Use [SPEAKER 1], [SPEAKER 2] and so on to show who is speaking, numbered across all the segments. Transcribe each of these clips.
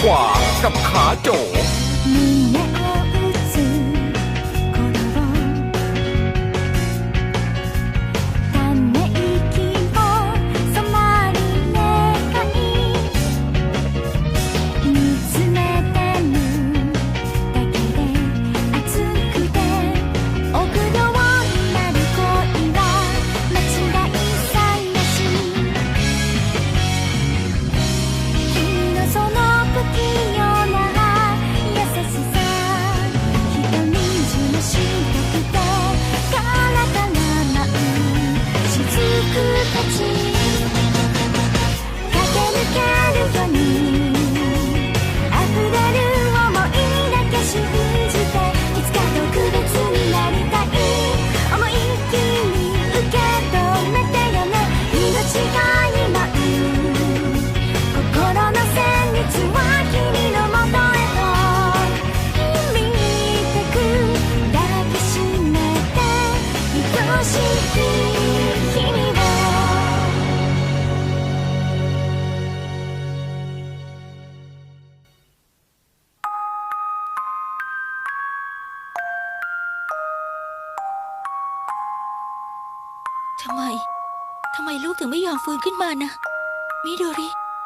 [SPEAKER 1] ขวากับขาโจ
[SPEAKER 2] ทำไมลูกถึงไม่ยอมฟื้นขึ้นมานะมิโดริ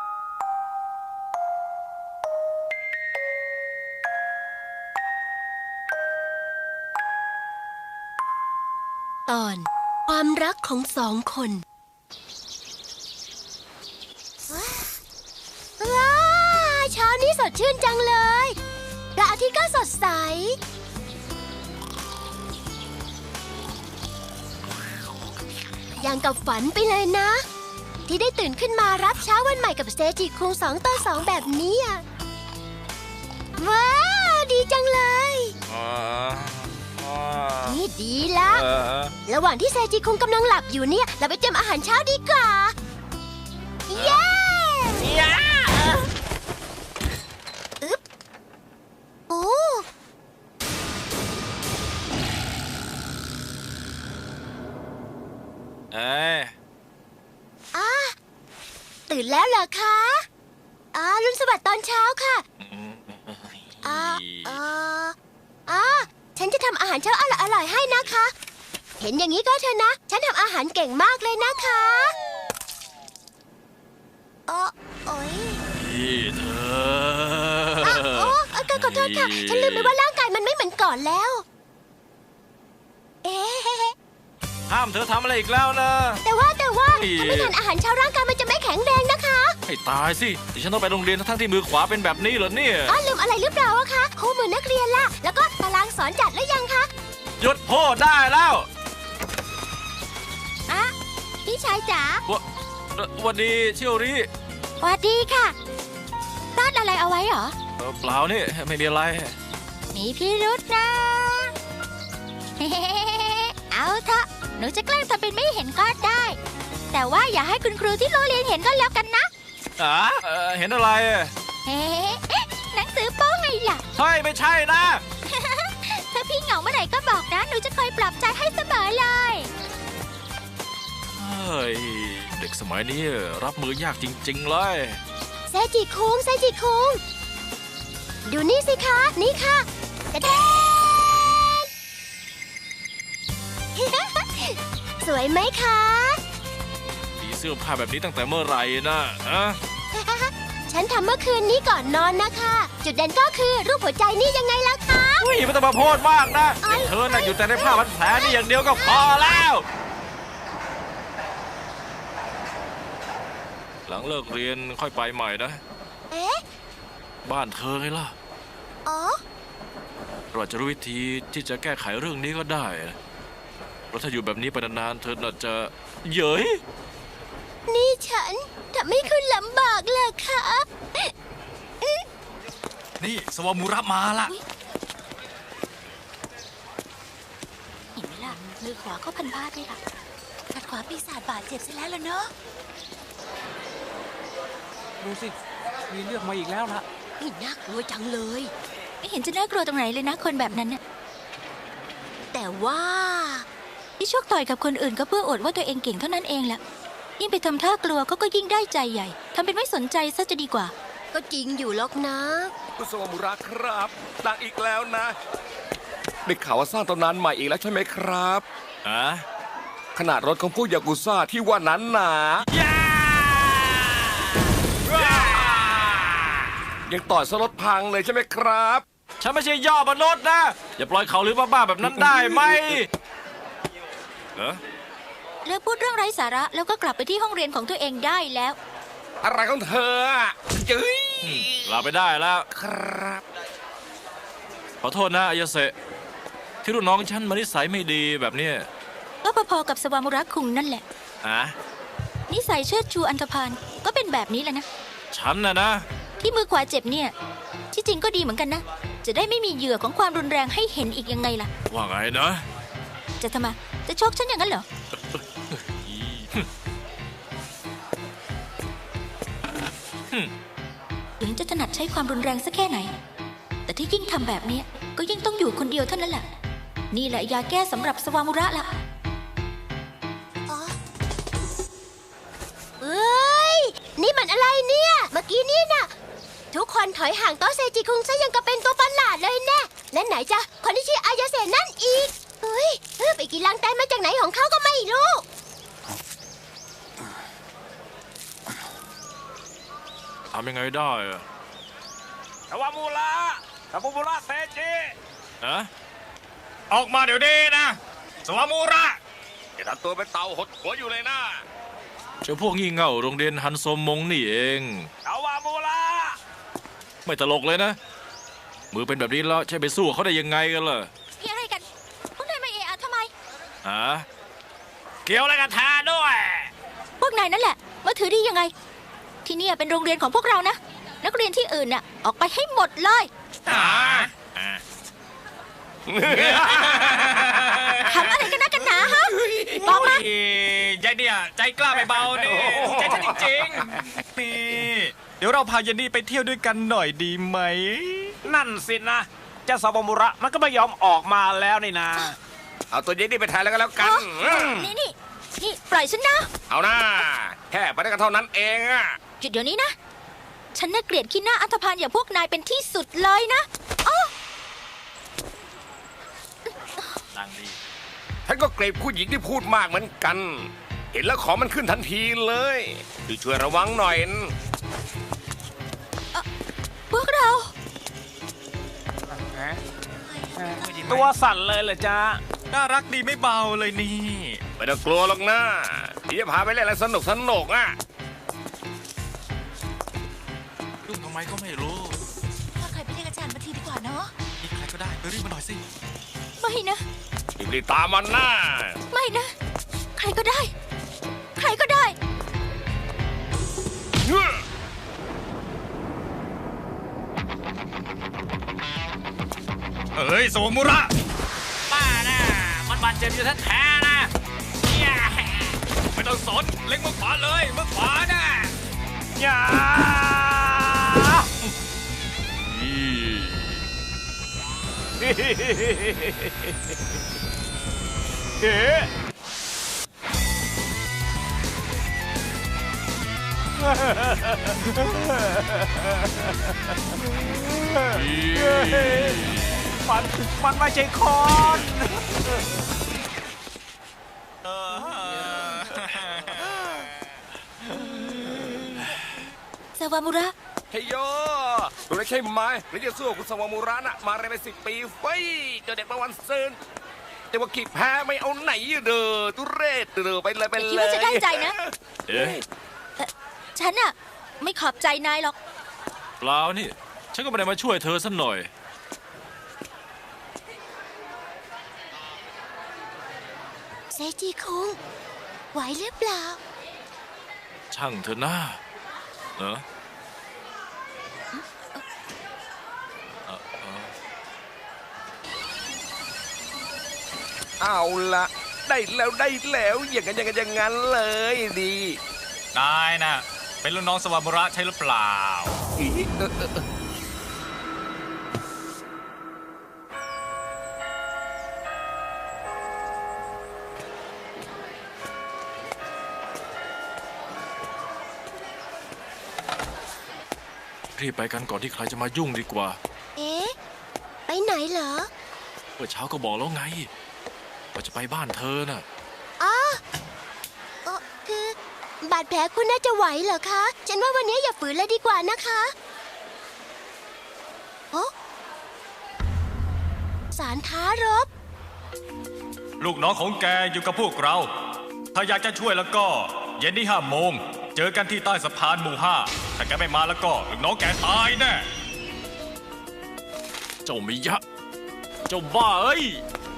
[SPEAKER 3] ตอนความรักของสองคนว้าเช้านี้สดชื่นจังเลยพระอาทิตย์ก็สดใสอย่างกับฝันไปเลยนะ ที่ได้ตื่นขึ้นมารับเช้าวันใหม่กับเซจิคุง2-2แบบนี้อะว้าวดีจังเลยนี่ดีละระหว่างที่เซจิคุงกำลังหลับอยู่เนี่ยเราไปเตรียมอาหารเช้าดีกว่าเย้อึ๊บโอ้ตื่นแล้วเหรอคะรุนสวัสดิ์ตอนเช้าค่ะฉันจะทำอาหารเช้าอร่อยๆให้นะคะ เห็นอย่างนี้ก็เถอะนะ ฉันทำอาหารเก่งมากเลยนะคะโอ๊ย
[SPEAKER 1] พี่เธ
[SPEAKER 3] ขอโทษค่ะ ฉันลืมไปว่าร่างกายมันไม่เหมือนก่อนแล้ว
[SPEAKER 1] ห้ามเธอทำอะไรอีกแล้วนะ
[SPEAKER 3] แต่ว่าถ้าไม่ทานอาหารเช้าร่างกายมันจะไม่แข็งแรงนะคะ
[SPEAKER 1] ให้ตายสิดิฉันต้องไปโรงเรียนทั้งที่มือขวาเป็นแบบนี้เหรอเนี่ย
[SPEAKER 3] ลืมอะไรหรือเปล่าอะคะคู่มือนักเรียนล่ะแล้วก็ตารางสอนจัดหรือยังคะ
[SPEAKER 1] หยุดพูดได้แล้ว
[SPEAKER 3] พี่ชายจ๋า
[SPEAKER 1] วันดีเชียวริ
[SPEAKER 3] วันดีค่ะซ่อนอะไรเอาไว้เหรอ
[SPEAKER 1] เปล่านี่ไม่มีอะไร
[SPEAKER 3] มีพี่รุธนะเอาเถอะหนูจะแกล้งทำเป็นไม่เห็นก็ได้แต่ว่าอย่าให้คุณครูที่โรงเรียนเห็นก็แล้วกันนะ
[SPEAKER 1] เห็นอะไร
[SPEAKER 3] หนังสือโป้ไงล่ะ
[SPEAKER 1] ใช่ไม่ใช่นะ
[SPEAKER 3] ถ้าพี่เหงาเมื่อไหร่ก็บอกนะหนูจะคอยปลอบใจให้เสมอเลย
[SPEAKER 1] เด็กสมัยนี้รับมือยากจริงๆเลย
[SPEAKER 3] เซจิคุงดูนี่สิคะนี่ค่ะกระเด็นสวยไหมคะ
[SPEAKER 1] มีเสื้อผ้าแบบนี้ตั้งแต่เมื่อไหร่นะ
[SPEAKER 3] ฉันทำเมื่อคืนนี้ก่อนนอนนะคะจุดเด่นก็คือรูปหัวใจนี่ยังไงล่ะคะ
[SPEAKER 1] ไม่ต้องมาพูดมากนะเธอน่ะอยู่แต่ในผ้าพันแผลนี่อย่างเดียวก็พอแล้วหลังเลิกเรียนค่อยไปใหม่นะบ้านเธอไงล่ะเราจะรู้วิธีที่จะแก้ไขเรื่องนี้ก็ได้เพราะถ้าอยู่แบบนี้ไปนานๆเธอน่าจะเย้ย
[SPEAKER 3] นี่ฉันทำให้คุณลำบากเลยค่ะ
[SPEAKER 1] นี่สวามูระมาละ
[SPEAKER 2] เห็นไหมล่ะมือขวาก็พันผ้าด้วยล่ะขัดขวาปีศาจบาดเจ็บซะแล้วเนอะ
[SPEAKER 4] ดูสิมีเลือดมาอีกแล้วล่ะ
[SPEAKER 3] น่ากลัวจังเลย
[SPEAKER 2] ไม่เห็นจะน่ากลัวตรงไหนเลยนะคนแบบนั้นน่ะ
[SPEAKER 3] แต่ว่า
[SPEAKER 2] ที่ชกต่อยกับคนอื่นก็เพื่ออวดว่าตัวเองเก่งเท่านั้นเองแหละยิ่งไปทำท่ากลัวเขาก็ยิ่งได้ใจใหญ่ทำเป็นไม่สนใจซะจะดีกว่า
[SPEAKER 3] ก็จริงอยู่หรอกนะ
[SPEAKER 5] คุณสวามุระครับดังอีกแล้วนะได้ข่าวว่าสร้างตำนานใหม่อีกแล้วใช่ไหมครับ
[SPEAKER 1] อะ
[SPEAKER 5] ขนาดรถของพวกยากุซ่าที่ว่านั้นหนายังต่อยสลดพังเลยใช่ไหมครับ
[SPEAKER 1] ฉันไม่ใช่ย่อมนุษย์นะ อย่าปล่อยเขาหรือบ้าๆแบบนั้นได้ไหมเออ
[SPEAKER 2] เลิกพูดเรื่องไร้สาระแล้วก็กลับไปที่ห้องเรียนของตัวเองได้แล้ว
[SPEAKER 5] อะไรของเธออะจื้ย
[SPEAKER 1] ลาไปได้แล้ว
[SPEAKER 5] ครับ
[SPEAKER 1] ขอโทษนะอายาเสะที่รุ่นน้องฉันมานิสัยไม่ดีแบบเนี้ย
[SPEAKER 2] ก็พอๆกับสวามุระคุงนั่นแหละ
[SPEAKER 1] อะ
[SPEAKER 2] นิสัยเชิดชูอันธพาลก็เป็นแบบนี้แหละนะ
[SPEAKER 1] ฉันนะ
[SPEAKER 2] ที่มือขวาเจ็บเนี่ย ที่จริงก็ดีเหมือนกันนะ จะได้ไม่มีเหยื่อของความรุนแรงให้เห็นอีกยังไงล่ะ
[SPEAKER 1] ว่าไงนะ
[SPEAKER 2] จะทำไมจะชกฉันอย่างนั้นเหรอ ถึงจะถนัดใช้ความรุนแรงสักแค่ไหน แต่ที่ยิ่งทำแบบนี้ก็ยิ่งต้องอยู่คนเดียวเท่านั้นแหละ นี่แหละยาแก้สำหรับสวามุระละ
[SPEAKER 3] เอ้ย นี่มันอะไรเนี่ย เมื่อกี้นี่น่ะ ทุกคนถอยห่างโต๊ะเซจิคุงซะยังกับเป็นตัวประหลาดเลยแน่และไหนจะคนที่ชื่ออายาเสะนั่นอีกเฮ้ยไปกินลังแตนมาจากไหนของเขาก็ไม่รู้
[SPEAKER 1] ทำยังไงได้อะ
[SPEAKER 6] สวามูระสวามูระเซจิ
[SPEAKER 1] อะ
[SPEAKER 6] ออกมาเดี๋ยวนี้นะสวามูระอย่าทำตัวเป็นเต่าหดหัวอยู่เลยนะ
[SPEAKER 1] เจ้าพวกงี่เง่าโรงเรียนฮันโซมงนี่เอง
[SPEAKER 6] สวามูระ
[SPEAKER 1] ไม่ตลกเลยนะ มือเป็นแบบนี้แล้วใช่ไปสู้เขาได้ยังไงกันล่ะ
[SPEAKER 2] พี่อะไรกัน พวกนายมาเอะอะทำไม
[SPEAKER 1] ฮะ
[SPEAKER 6] เกี่ยวอะไรกับทาด้วย
[SPEAKER 2] พวกนายนั่นแหละมาถือดียังไง ที่เนี่ยเป็นโรงเรียนของพวกเรานะ นักเรียนที่อื่นน่ะออกไปให้หมดเลย ทำอะไรกันนะกันหนาฮะ บอกมา
[SPEAKER 6] ใจเนี่ยใจกล้าไปเบานี่ใจฉันจริงๆนี่เดี๋ยวเราพาเยนนี่ไปเที่ยวด้วยกันหน่อยดีไหม นั่นสินะเจ้าสวามูระมันก็ไม่ยอมออกมาแล้วนี่นะ
[SPEAKER 5] เอาตัวเย็นนี่ไปแทนแล้วก็แล้วกัน
[SPEAKER 2] นี่ปล่อยฉันนะ
[SPEAKER 5] เอาหน้าแค่ไปได้กันเท่านั้นเองอะ
[SPEAKER 2] หยุดเดี๋ยวนี้นะ ฉันน่าเกลียดขี้หน้าอันธพาลอย่างพวกนายเป็นที่สุดเลยนะอ้อ
[SPEAKER 1] ดังดี
[SPEAKER 5] ท่านก็เกลียดผู้หญิงที่พูดมากเหมือนกัน เห็นแล้วของมันขึ้นทันทีเลยช่วยระวังหน่อย
[SPEAKER 2] พวกเรา
[SPEAKER 6] ตัวสั่นเลยเหรอจ๊ะน่ารักดีไม่เบาเลยนี่
[SPEAKER 5] ไม่ต้องกลัวหรอกนะเดี๋ยวพาไปเล่นอะไรสนุกอ่ะ
[SPEAKER 1] ยุ่งทำไมก็ไม่รู้
[SPEAKER 2] ถ้าใครไปเรียกอาจารย์มาทีดีกว่าเนาะ
[SPEAKER 1] นี่ใครก็ได้ไปรีบมาหน่อยสิ
[SPEAKER 2] ไม่นะ
[SPEAKER 5] รีบๆตามมันนะ
[SPEAKER 2] ไม่นะ ใครก็ได้ ใครก็ได้
[SPEAKER 6] เฮ้ยสวามูระป้าน่ะมันบาดเจ็บอยู่แท้ๆนะเนี่ยไม่ต้องสนเล็งมือขวาเลยมือขวาน่ะอย่าเฮ้มันไม่ใช่คน
[SPEAKER 2] สวามุระ
[SPEAKER 5] เฮ้ยโยรู้ได้ใช่ไหมหรือจะสู้กับคุณสวามูระน่ะมาเรียนไป10 ปีเฟ้ยเจอเด็กประวันเซินแต่ว่าขีดแพ้ไม่เอาไหนเด้อตุเรศเด้อไปเลย
[SPEAKER 2] คิดว่าจะได้ใจนะ
[SPEAKER 1] เอ๊ะ
[SPEAKER 2] ฉันอะไม่ขอบใจนายหรอก
[SPEAKER 1] เปล่านี่ ฉันก็ไม่ได้มาช่วยเธอสักหน่อย
[SPEAKER 3] เซจิคุงไหวหรือเปล่า
[SPEAKER 1] ช่างเธอหน้าเนอะ
[SPEAKER 5] เอาละได้แล้วอย่างนั้นเลยดี
[SPEAKER 6] นายน่ะเป็นรุ่นน้องสวามุระใช่หรือเปล่า
[SPEAKER 1] รีรีบไปกันก่อนที่ใครจะมายุ่งดีกว่า
[SPEAKER 3] เอ๊ะ ไปไหนเหรอ
[SPEAKER 1] เมื่อเช้าก็บอกแล้วไงว่าจะไปบ้านเธอน่ะ
[SPEAKER 3] อ๋อคือบาดแผลคุณน่าจะไหวเหรอคะ ฉันว่าวันนี้อย่าฝืนเลยดีกว่านะคะโอ้สารท้ารบ
[SPEAKER 6] ลูกน้องของแกอยู่กับพวกเรา ถ้าอยากจะช่วยแล้วก็ เย็นนี้5 โมง เจอกันที่ใต้สะพานหมู่ 5 ถ้าแกไม่มาแล้วก็ลูกน้องแกตายแน่
[SPEAKER 1] เจ้ามิยะ เจ้าบ้าเอ้ย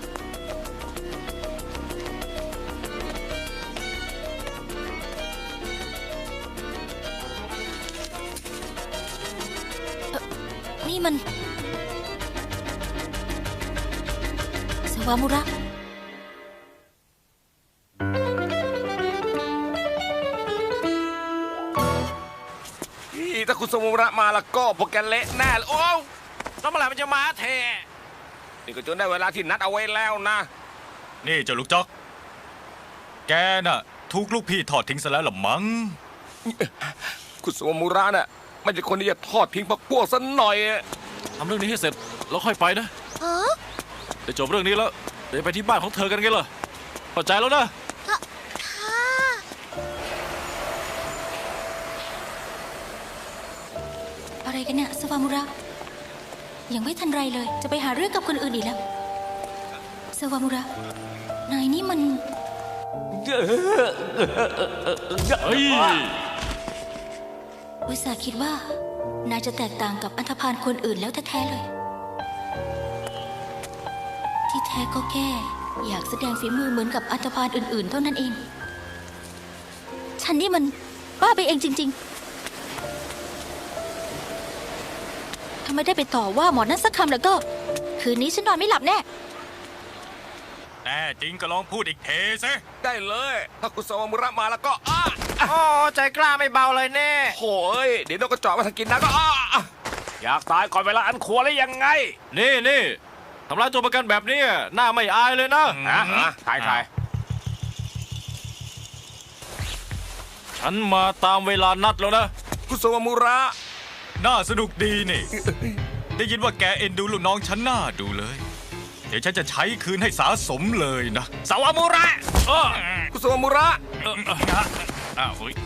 [SPEAKER 2] นี่มันสวามุระ
[SPEAKER 5] ถ้าคุณสมุระมาแล้วก็พวกแกเละแน่เลยโอ้แล้วเมื่อไหร่มันจะมาเทนี่ก็จนได้เวลาที่นัดเอาไว้แล้วนะ
[SPEAKER 6] นี่เจ้าลูกจ๊อก แกน่ะถูกลูกพี่ทอดทิ้งซะแล้วล่ะมั้ง
[SPEAKER 5] คุณสมุระน่ะไม่ใช่คนที่จะทอดทิ้งพวกซะหน่อย
[SPEAKER 1] ทำเรื่องนี้ให้เสร็จแล้วค่อยไปนะ
[SPEAKER 3] ฮะ
[SPEAKER 1] เดี๋ยวจบเรื่องนี้แล้วเดี๋ยวไปที่บ้านของเธอกันไงล่ะเข้าใจแล้วนะ
[SPEAKER 3] ค่ะ
[SPEAKER 2] อะไรกันเนี่ยสวามุระ ยังไม่ทันไรเลย จะไปหาเรื่องกับคนอื่นอีกแล้วสวามุระ นายนี่มัน
[SPEAKER 1] เฮ้ย
[SPEAKER 2] อุตส่าห์คิดว่านายจะแตกต่างกับอันธพาลคนอื่นแล้วแท้ๆเลย ที่แท้ก็แค่อยากแสดงฝีมือเหมือนกับอันธพาลอื่นๆ เท่านั้นเอง ฉันนี่มันบ้าไปเองจริงๆ ถ้าไม่ได้ไปต่อว่าหมอนั่นสักคำแล้วก็ คืนนี้ฉันนอนไม่หลับแน่
[SPEAKER 6] แน่จริงก็ลองพูดอีกเทสิ
[SPEAKER 5] ได้เลย ถ้าคุณสมุระมาแล้วก็
[SPEAKER 6] โอ้ใจกล้าไม่เบาเลยแน่
[SPEAKER 5] โอ้ยเดี๋ยวนกกระจอกมาทางกินนะก็
[SPEAKER 6] อยากตายก่อนเวลาอันควรแล้วยังไง
[SPEAKER 1] นี่ทำร้ายตัวประกันแบบนี้หน้าไม่อายเลยนะ
[SPEAKER 5] ถ่าย
[SPEAKER 1] ฉันมาตามเวลานัดแล้วนะ
[SPEAKER 5] คุณสมุระ
[SPEAKER 6] น่าสนุกดีนี่ ได้ยินว่าแกเอ็นดูลูกน้องฉันน่าดูเลย เดี๋ยวฉันจะใช้คืนให้สาสมเลยนะสาวามุระ
[SPEAKER 5] คุณสมุระ
[SPEAKER 6] อ้าวเฮ้ย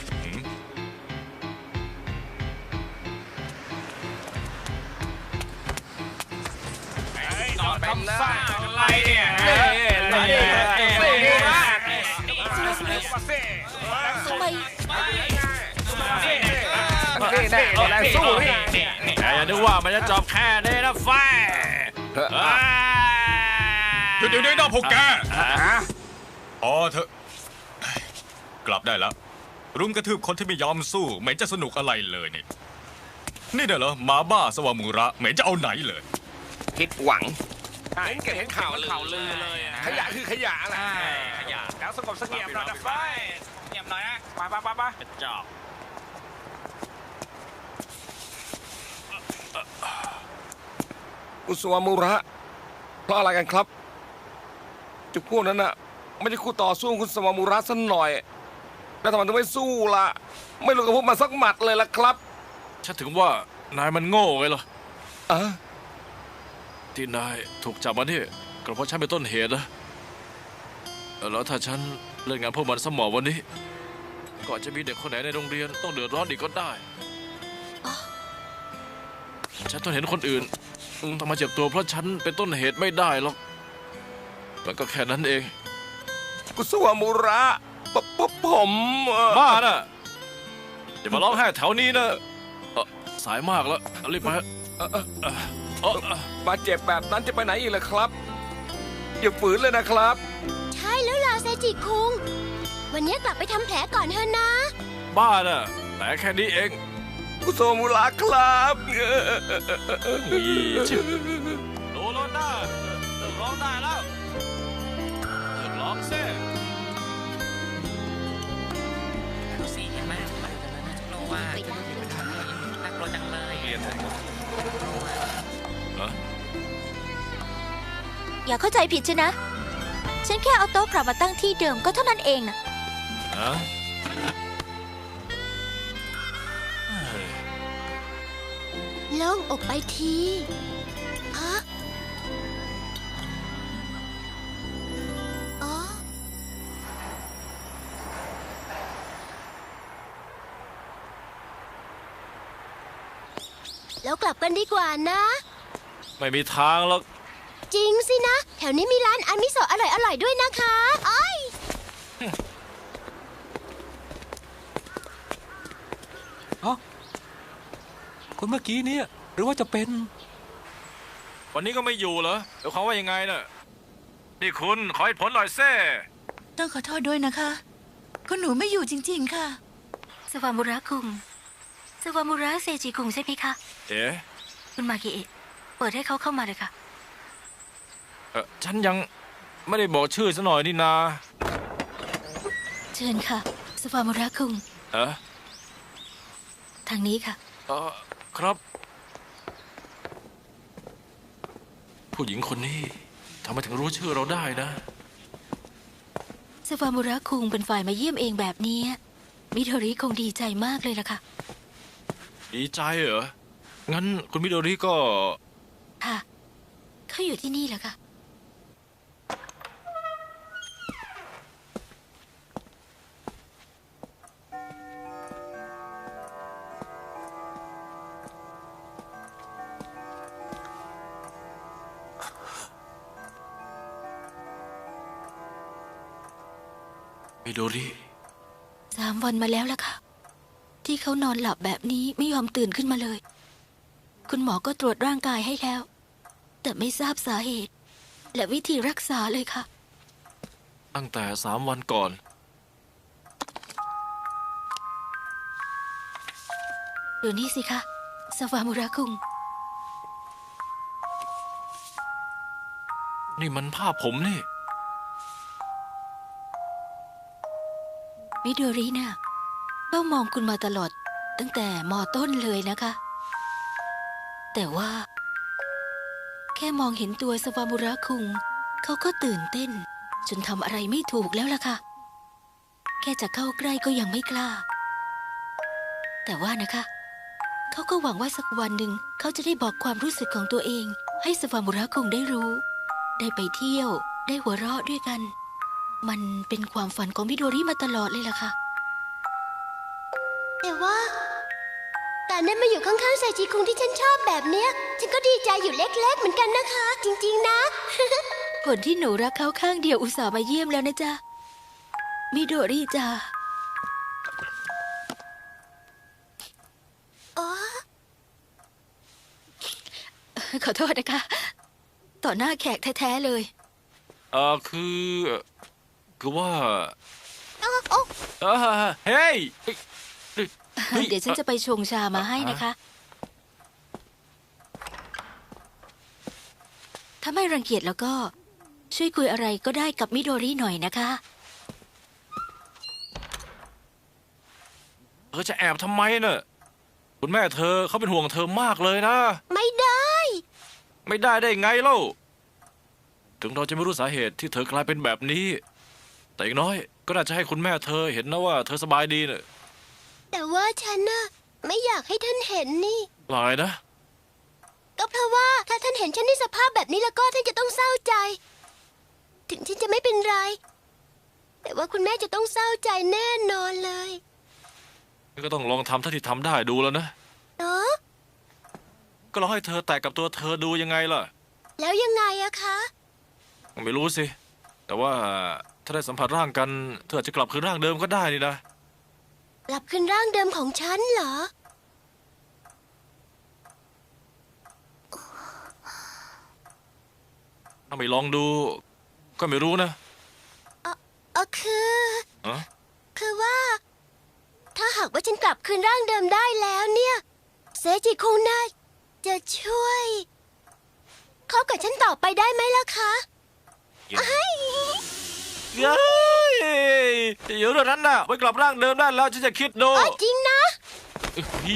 [SPEAKER 6] นอนทำซ่าอะไรเนี่ย
[SPEAKER 2] ทำไม
[SPEAKER 5] สู้
[SPEAKER 1] อย่านึกว่ามันจะจบแค่นี้นะไฟ
[SPEAKER 6] เดี๋ยวนะพวกแกพอเถอะกลับได้แล้ว รุมกระทืบคนที่ไม่ยอมสู้ไม่จะสนุกอะไรเลยนี่เด้อเหรอหมาบ้าสวามุระไม่จะเอาไหนเลย
[SPEAKER 5] คิดหวังเห็นข่าวเลยขยะคือขยะแหละ
[SPEAKER 6] ขยะแล้วสงบเสงี่ยมหน่อยนะไฟเงียบหน่อยนะไปเป็นจอบ
[SPEAKER 5] คุณสมุระเพราะอะไรกันครับจุดพวกนั้นน่ะไม่ใช่คู่ต่อสู้คุณสมุระสักหน่อยแล้วทำไมถึงไม่สู้ล่ะไม่รู้กับพวกมันสักหมัดเลยล่ะครับ
[SPEAKER 1] ฉันถึงว่านายมันโง่ไงล่ะ
[SPEAKER 5] อะ
[SPEAKER 1] ที่นายถูกจับมานี่ก็เพราะฉันเป็นต้นเหตุนะแล้วถ้าฉันเล่นงานพวกมันสมองวันนี้ก็อาจจะมีเด็กคนไหนในโรงเรียนต้องเดือดร้อนอีกก็ได้ ฉันต้องเห็นคนอื่นต้องมาเจ็บตัวเพราะฉันเป็นต้นเหตุไม่ได้หรอกมันก็แค่นั้นเอง
[SPEAKER 5] คุณสมุระผม
[SPEAKER 1] บ้าน่ะอย่ามาร้องไห้แถวนี้นะสายมากแล้วรีบไป
[SPEAKER 5] มาเจ็บแบบนั้นจะไปไหนอีกล่ะครับอย่าฝืนเลยนะครับ
[SPEAKER 3] ใช่แล้วล่ะเซจิคุง วันนี้กลับไปทำแผลก่อนเถอะนะ
[SPEAKER 1] บ้าน่ะแต่แค่นี้เอง
[SPEAKER 5] คุณสมุระครับ
[SPEAKER 1] โดนร้อนได้เลิกร้องได้แล้วเลิกร้องเซ่
[SPEAKER 7] ดูสิเห็นไหมโลว่าน่ากลัวจังเลย
[SPEAKER 2] อย่าเข้าใจผิดใช่นะ ฉันแค่เอาโต๊ะกลับมาตั้งที่เดิมก็เท่านั้นเองนะ
[SPEAKER 1] ฮะ
[SPEAKER 3] โล่งอกไปทีฮะอ๋อแล้วกลับกันดีกว่านะ
[SPEAKER 1] ไม่มีทางหรอก
[SPEAKER 3] จริงสินะ แถวนี้มีร้านอามิโซะอร่อยๆด้วยนะคะอ้อย
[SPEAKER 4] เอ้าคนเมื่อกี้เนี่ยหรือว่าจะเป็น
[SPEAKER 1] วันนี้ก็ไม่อยู่เหรอเดี๋ยวเขามว่ายังไงน่ะนี่คุณขอเหตุผลหน่อยเซ่
[SPEAKER 2] ต้องขอโทษด้วยนะคะคุณหนูไม่อยู่จริงๆค่ะสวามุระคุงสวามุระเซจิคุงใช่ไหมคะ
[SPEAKER 1] เอ๊ะ
[SPEAKER 2] คุณมากิเอะเปิดให้เขาเข้ามาเลยค่ะ
[SPEAKER 1] ฉันยังไม่ได้บอกชื่อซะหน่อยนี่นา
[SPEAKER 2] เชิญค่ะสวามุระคุง
[SPEAKER 1] เอ๊ะ
[SPEAKER 2] ทางนี้ค่ะ
[SPEAKER 1] ครับ ผู้หญิงคนนี้ทำไมถึงรู้ชื่อเราได้นะ
[SPEAKER 2] สวามุระคุงเป็นฝ่ายมาเยี่ยมเองแบบนี้มิโดริคงดีใจมากเลยล่ะค่ะ
[SPEAKER 1] ดีใจเหรอ งั้นคุณมิโดริก็
[SPEAKER 2] ค่ะเขาอยู่ที่นี่แหละค่ะ
[SPEAKER 1] มิโดริ
[SPEAKER 2] 3 วันมาแล้วล่ะค่ะ ที่เขานอนหลับแบบนี้ไม่ยอมตื่นขึ้นมาเลย คุณหมอก็ตรวจร่างกายให้แล้ว แต่ไม่ทราบสาเหตุ และวิธีรักษาเลยค่ะ
[SPEAKER 1] ตั้งแต่3 วันก่อน
[SPEAKER 2] เดี๋ยวนี้สิคะสวามุระคุง
[SPEAKER 1] นี่มันภาพผมนี่
[SPEAKER 2] มิโดริน่ะเฝ้ามองคุณมาตลอดตั้งแต่ม.ต้นเลยนะคะ แต่ว่า แค่มองเห็นตัวสวามุระคุงเขาก็ตื่นเต้น จนทำอะไรไม่ถูกแล้วล่ะค่ะ แค่จะเข้าใกล้ก็ยังไม่กล้า แต่ว่านะคะเขาก็หวังว่าสักวันหนึ่งเขาจะได้บอกความรู้สึกของตัวเอง ให้สวามุระคุงได้รู้ ได้ไปเที่ยวได้หัวเราะด้วยกัน มันเป็นความฝันของมิโดริมาตลอดเลยล่ะค่ะ
[SPEAKER 3] แต่ว่าการได้มาอยู่ข้างๆไซจิคุงที่ฉันชอบแบบเนี้ย ฉันก็ดีใจอยู่เล็กๆเหมือนกันนะคะ จริงๆนะ
[SPEAKER 2] คนที่หนูรักเขาข้างเดียวอุตส่าห์มาเยี่ยมแล้วนะจ๊ะ มิโดริจ้า
[SPEAKER 3] อ๋อ
[SPEAKER 2] ขอโทษนะคะ ต่อหน้าแขกแท้ๆเลย
[SPEAKER 1] คือว่า
[SPEAKER 3] โอ้
[SPEAKER 1] เฮ้ย
[SPEAKER 2] เดี๋ยวฉันจะไปชงชามาให้นะคะ ถ้าไม่รังเกียจแล้วก็ช่วยคุยอะไรก็ได้กับมิโดริหน่อยนะคะ
[SPEAKER 1] เธอจะแอบทำไมเน่ะคุณแม่เธอเขาเป็นห่วงเธอมากเลยนะ
[SPEAKER 3] ไม่ได้
[SPEAKER 1] ไม่ได้ได้ไงเล่า ถึงเราจะไม่รู้สาเหตุที่เธอกลายเป็นแบบนี้ แต่อย่างน้อยก็น่าจะให้คุณแม่เธอเห็นนะว่าเธอสบายดีเน่ะ
[SPEAKER 3] แต่ว่าฉันน่ะไม่อยากให้ท่านเห็นนี่
[SPEAKER 1] หลายนะ
[SPEAKER 3] ก็เพราะว่าถ้าท่านเห็นฉันในสภาพแบบนี้แล้วก็ท่านจะต้องเศร้าใจ ถึงฉันจะไม่เป็นไร แต่ว่าคุณแม่จะต้องเศร้าใจแน่นอนเลย
[SPEAKER 1] ก็ต้องลองทำเท่าที่ทำได้ดูแล้วนะ
[SPEAKER 3] เนาะ
[SPEAKER 1] ก็ลองให้เธอแตะกับตัวเธอดูยังไงล่ะ
[SPEAKER 3] แล้วยังไงอะคะ
[SPEAKER 1] ไม่รู้สิ แต่ว่าถ้าได้สัมผัสร่างกัน เธออาจจะกลับคืนร่างเดิมก็ได้นี่นะ
[SPEAKER 3] กลับขึ้นร่างเดิมของฉันเหรอ
[SPEAKER 1] ถ้าไม่ลองดู ก็ไม่รู้นะ
[SPEAKER 3] คือ
[SPEAKER 1] อะ
[SPEAKER 3] คือว่า ถ้าหากว่าฉันกลับคืนร่างเดิมได้แล้วเนี่ย เซจิคุงน่าจะช่วยเขากับฉันต่อไปได้ไหมล่ะคะเอ้ย
[SPEAKER 1] เย้ยเดี๋ยวเรื่องนั้นน่ะไว้กลับร่างเดิมได้แล้วฉันจะคิดดู
[SPEAKER 3] จริงนะ
[SPEAKER 1] พี่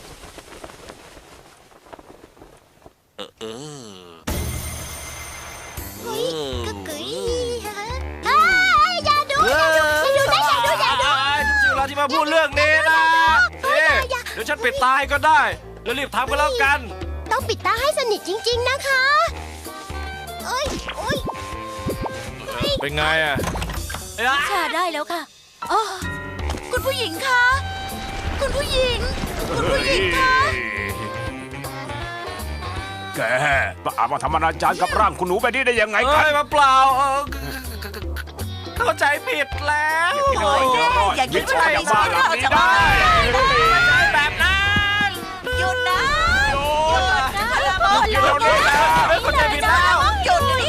[SPEAKER 3] เฮ้ยกึกกึ๋ยเอ้ยอย่าดูนะอย่าดู
[SPEAKER 1] จริงๆเวลาที่มาพูดเรื่องนี้นะ
[SPEAKER 3] อย่า
[SPEAKER 1] เดี๋ยวฉันปิดตายก็ได้แล้วรีบทำกันแล้วกัน
[SPEAKER 3] ต้องปิดตาให้สนิทจริง ๆ นะคะเอ้ยโอ้ย
[SPEAKER 1] เป็นไงอ่ะ
[SPEAKER 2] ค่ะได้แล้วค่ะอ๋อคุณผู้หญิงคะคุณผู้หญิง คุณผู้หญิงคะ
[SPEAKER 8] แกมาทำอนาจารกับร่างคุณหนูไปนี่ได้ยังไงกัน
[SPEAKER 1] เอ้ยมาเปล่าเข้าใจผิดแล้ว
[SPEAKER 2] อย่าคิดว่า
[SPEAKER 8] อย่าบ้าหลังนี้ได้
[SPEAKER 1] แบบนั้น
[SPEAKER 2] หยุดนะ
[SPEAKER 8] โยน
[SPEAKER 2] หยุดนะ
[SPEAKER 1] เข้าใจผิดแล้ว
[SPEAKER 2] หยุดนี่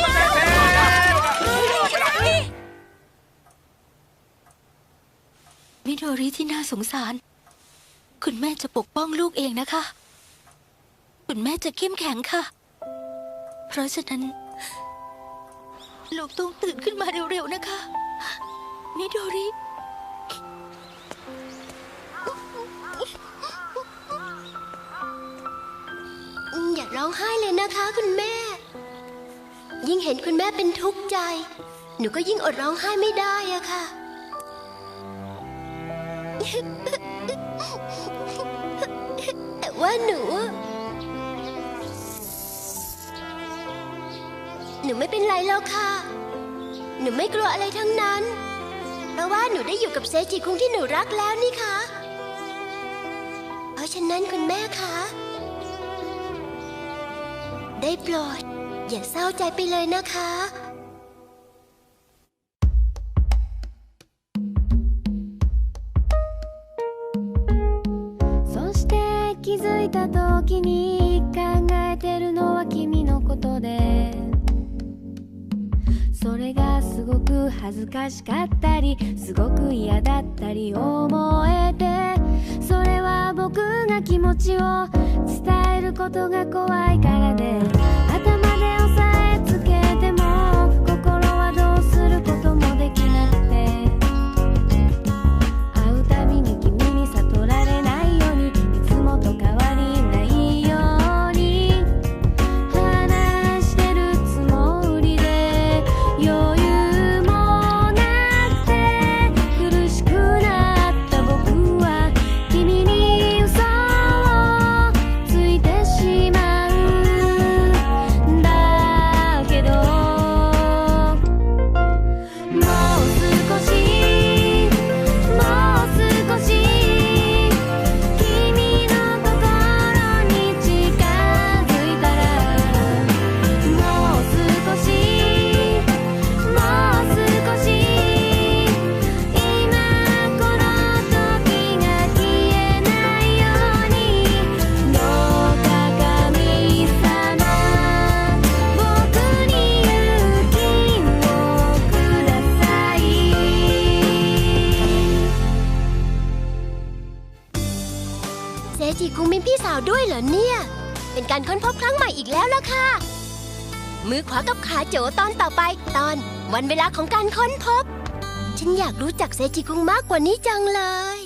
[SPEAKER 2] มิโดริที่น่าสงสาร คุณแม่จะปกป้องลูกเองนะคะ คุณแม่จะเข้มแข็งค่ะ เพราะฉะนั้น ลูกต้องตื่นขึ้นมาเร็วๆนะคะ มิโดริ
[SPEAKER 3] อย่าร้องไห้เลยนะคะคุณแม่ ยิ่งเห็นคุณแม่เป็นทุกข์ใจ หนูก็ยิ่งอดร้องไห้ไม่ได้อะค่ะ แต่ว่าหนูไม่เป็นไรแล้วค่ะ หนูไม่กลัวอะไรทั้งนั้น เพราะว่าหนูได้อยู่กับเซจิคุงที่หนูรักแล้วนี่ค่ะ เพราะฉะนั้นคุณแม่คะได้โปรดอย่าเศร้าใจไปเลยนะคะ
[SPEAKER 9] そして気づいた時に考えてるのは君のことでそれがすごく恥ずかしかったりすごく嫌だったり思えてそれは僕が気持ちを伝えることが怖いからで頭で押さえつけても心はどうすることもできなくて会うたびに君に悟られないようにいつもと変わりないように話してるつもりで余裕もなくて苦しくなった僕は君に嘘をついてしまうんだけどもう少しもう少し君の心に近づいたらもう少しもう少し今この時が消えないようにどうか神様僕に勇気をください
[SPEAKER 3] เซจิคุงมีพี่สาวด้วยเหรอเนี่ย เป็นการค้นพบครั้งใหม่อีกแล้วล่ะค่ะ มือขวากับขาโจตอนต่อไปตอนวันเวลาของการค้นพบ ฉันอยากรู้จักเซจิคุงมากกว่านี้จังเลย